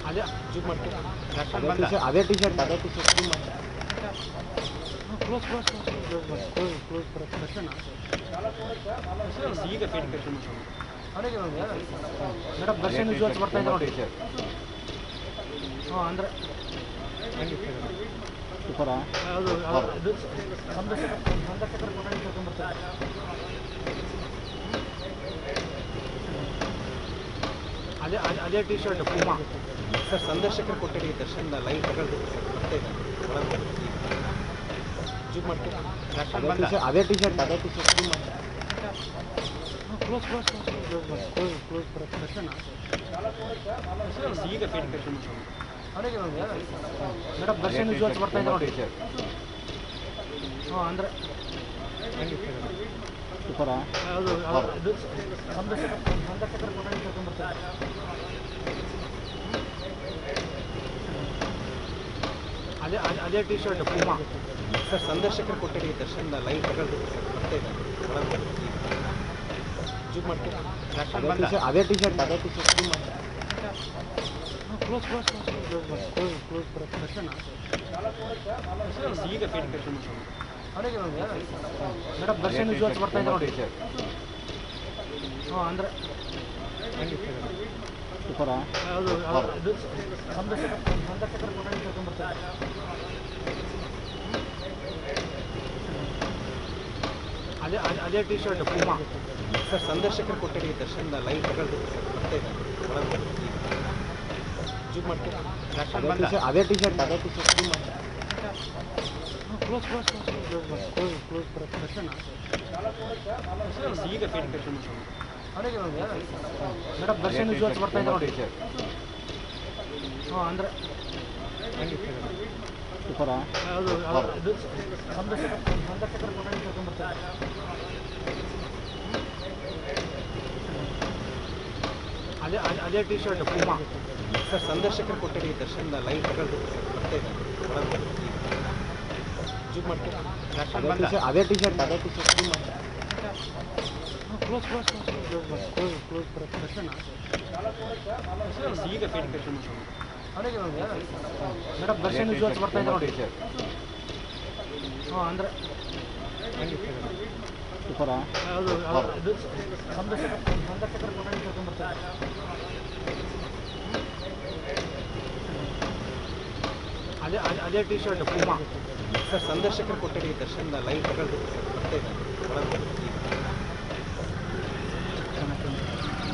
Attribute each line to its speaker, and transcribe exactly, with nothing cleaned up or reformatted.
Speaker 1: ಅದೇ ಜೂಮ್ ಮಾಡ್ತೀನಿ ದರ್ಶನ್
Speaker 2: ಅದೇ
Speaker 1: ಬಂದ
Speaker 2: ಟಿ-ಶರ್ಟ್ ಅದೇ ಟಿ-ಶರ್ಟ್ ಅದೇ ಟಿ-ಶರ್ಟ್ ಜೂಮ್ ಮಾಡಿ
Speaker 1: ಕ್ಲೋಸ್ ಕ್ಲೋಸ್ ಕ್ಲೋಸ್ ಮಾಡಿ ಕ್ಲೋಸ್ ಕ್ಲೋಸ್ ಬರುತ್ತೆ ದರ್ಶನ ಈಗ ಫೇಟ್ ಕರ್ಕೊಂಡು ಅವನಿಗೆ ಮೇಡಮ್ ದರ್ಶನ್ ವಿಜುವಲ್ಸ್ ಬರ್ತಾ ಇದೆ ನೋಡಿ ಹಾಂ ಅಂದರೆ
Speaker 2: ಸೂಪರಾ
Speaker 1: ಅದು ಇದು ಸಂದರ್ಶಕ ಸಂದರ್ಶಕರ ಕೊಠಡಿ ಕರ್ಕೊಂಡ್ಬರ್ತಾರೆ ಅದೇ ಅದೇ ಟಿ ಶರ್ಟ್ ಪೂಮಾ
Speaker 3: ಸರ್ ಸಂದರ್ಶಕರ ಕೊಠಡಿ ದರ್ಶನ್ ಲೈವ್ ತಗೊಳ್ಬೇಕು ಸರ್ ಬರ್ತಾ ಇದೆ ಒಳಗೆ
Speaker 1: ಜೂಮ್ ಮಾಡ್ತೀನಿ ದರ್ಶನ್
Speaker 2: ಅದೇ
Speaker 1: ಬಂದ
Speaker 2: ಟಿ-ಶರ್ಟ್ ಅದೇ ಟಿ-ಶರ್ಟ್ ಅದೇ ಟಿ-ಶರ್ಟ್ ಜೂಮ್ ಮಾಡಿ
Speaker 1: ಕ್ಲೋಸ್ ಕ್ಲೋಸ್ ಕ್ಲೋಸ್ ಮಾಡಿ ಕ್ಲೋಸ್ ಕ್ಲೋಸ್ ಬರುತ್ತೆ ದರ್ಶನ ಈಗ ಫೇಟ್ ಕರ್ಕೊಂಡು ಅವನಿಗೆ ಮೇಡಮ್ ದರ್ಶನ್ ವಿಜುವಲ್ಸ್ ಬರ್ತಾ ಇದೆ ನೋಡಿ ಹಾಂ ಅಂದರೆ
Speaker 2: ಸೂಪರಾ
Speaker 1: ಅದು ಇದು ಸಂದರ್ಶಕ ಸಂದರ್ಶಕರ ಕೊಠಡಿ ಕರ್ಕೊಂಡ್ಬರ್ತಾರೆ ಅದೇ ಅದೇ ಟಿ ಶರ್ಟ್ ಪೂಮಾ
Speaker 3: ಸರ್ ಸಂದರ್ಶಕರ ಕೊಠಡಿ ದರ್ಶನ್ ಲೈವ್ ತಗೊಳ್ಬೇಕು ಸರ್ ಬರ್ತಾ ಇದೆ ಒಳಗೆ
Speaker 1: ಜೂಮ್ ಮಾಡ್ತೀನಿ ದರ್ಶನ್
Speaker 2: ಅದೇ
Speaker 1: ಬಂದ
Speaker 2: ಟಿ-ಶರ್ಟ್ ಅದೇ ಟಿ-ಶರ್ಟ್ ಅದೇ ಟಿ-ಶರ್ಟ್ ಜೂಮ್ ಮಾಡಿ
Speaker 1: ಕ್ಲೋಸ್ ಕ್ಲೋಸ್ ಕ್ಲೋಸ್ ಮಾಡಿ ಕ್ಲೋಸ್ ಕ್ಲೋಸ್ ಬರುತ್ತೆ ದರ್ಶನ ಈಗ ಫೇಟ್ ಕರ್ಕೊಂಡು ಅವನಿಗೆ ಮೇಡಮ್ ದರ್ಶನ್ ವಿಜುವಲ್ಸ್ ಬರ್ತಾ ಇದೆ ನೋಡಿ ಹಾಂ ಅಂದರೆ
Speaker 2: ಸೂಪರಾ
Speaker 1: ಅದು ಇದು ಸಂದರ್ಶಕ ಸಂದರ್ಶಕರ ಕೊಠಡಿ ಕರ್ಕೊಂಡ್ಬರ್ತಾರೆ ಅದೇ ಅದೇ ಟಿ ಶರ್ಟ್ ಪೂಮಾ
Speaker 3: ಸರ್ ಸಂದರ್ಶಕರ ಕೊಠಡಿ ದರ್ಶನ್ ಲೈವ್ ತಗೊಳ್ಬೇಕು ಸರ್ ಬರ್ತಾ ಇದೆ ಒಳಗೆ
Speaker 1: ಜೂಮ್ ಮಾಡ್ತೀನಿ ದರ್ಶನ್
Speaker 2: ಅದೇ
Speaker 1: ಬಂದ
Speaker 2: ಟಿ-ಶರ್ಟ್ ಅದೇ ಟಿ-ಶರ್ಟ್ ಅದೇ ಟಿ-ಶರ್ಟ್ ಜೂಮ್ ಮಾಡಿ
Speaker 1: ಕ್ಲೋಸ್ ಕ್ಲೋಸ್ ಕ್ಲೋಸ್ ಮಾಡಿ ಕ್ಲೋಸ್ ಕ್ಲೋಸ್ ಬರುತ್ತೆ ದರ್ಶನ ಈಗ ಫೇಟ್ ಕರ್ಕೊಂಡು ಅವನಿಗೆ ಮೇಡಮ್ ದರ್ಶನ್ ವಿಜುವಲ್ಸ್ ಬರ್ತಾ ಇದೆ ನೋಡಿ ಹಾಂ ಅಂದರೆ
Speaker 2: ಸೂಪರಾ
Speaker 1: ಅದು ಇದು ಸಂದರ್ಶಕ ಸಂದರ್ಶಕರ ಕೊಠಡಿ ಕರ್ಕೊಂಡ್ಬರ್ತಾರೆ ಅದೇ ಅದೇ ಟಿ ಶರ್ಟ್ ಪೂಮಾ
Speaker 3: ಸರ್ ಸಂದರ್ಶಕರ ಕೊಠಡಿ ದರ್ಶನ್ ಲೈವ್ ತಗೊಳ್ಬೇಕು ಸರ್ ಬರ್ತಾ ಇದೆ ಒಳಗೆ
Speaker 1: ಜೂಮ್ ಮಾಡ್ತೀನಿ ದರ್ಶನ್
Speaker 2: ಅದೇ
Speaker 1: ಬಂದ
Speaker 2: ಟಿ-ಶರ್ಟ್ ಅದೇ ಟಿ-ಶರ್ಟ್ ಅದೇ ಟಿ-ಶರ್ಟ್ ಜೂಮ್ ಮಾಡಿ
Speaker 1: ಕ್ಲೋಸ್ ಕ್ಲೋಸ್ ಕ್ಲೋಸ್ ಮಾಡಿ ಕ್ಲೋಸ್ ಕ್ಲೋಸ್ ಬರುತ್ತೆ ದರ್ಶನ ಈಗ ಫೇಟ್ ಕರ್ಕೊಂಡು ಅವನಿಗೆ ಮೇಡಮ್ ದರ್ಶನ್ ವಿಜುವಲ್ಸ್ ಬರ್ತಾ ಇದೆ ನೋಡಿ ಹಾಂ ಅಂದರೆ
Speaker 2: ಸೂಪರಾ
Speaker 1: ಅದು ಇದು ಸಂದರ್ಶಕ ಸಂದರ್ಶಕರ ಕೊಠಡಿ ಕರ್ಕೊಂಡ್ಬರ್ತಾರೆ ಅದೇ ಅದೇ ಟಿ ಶರ್ಟ್ ಪೂಮಾ
Speaker 3: ಸರ್ ಸಂದರ್ಶಕರ ಕೊಠಡಿ ದರ್ಶನ್ ಲೈವ್ ತಗೊಳ್ಬೇಕು ಸರ್ ಬರ್ತಾ ಇದೆ ಒಳಗೆ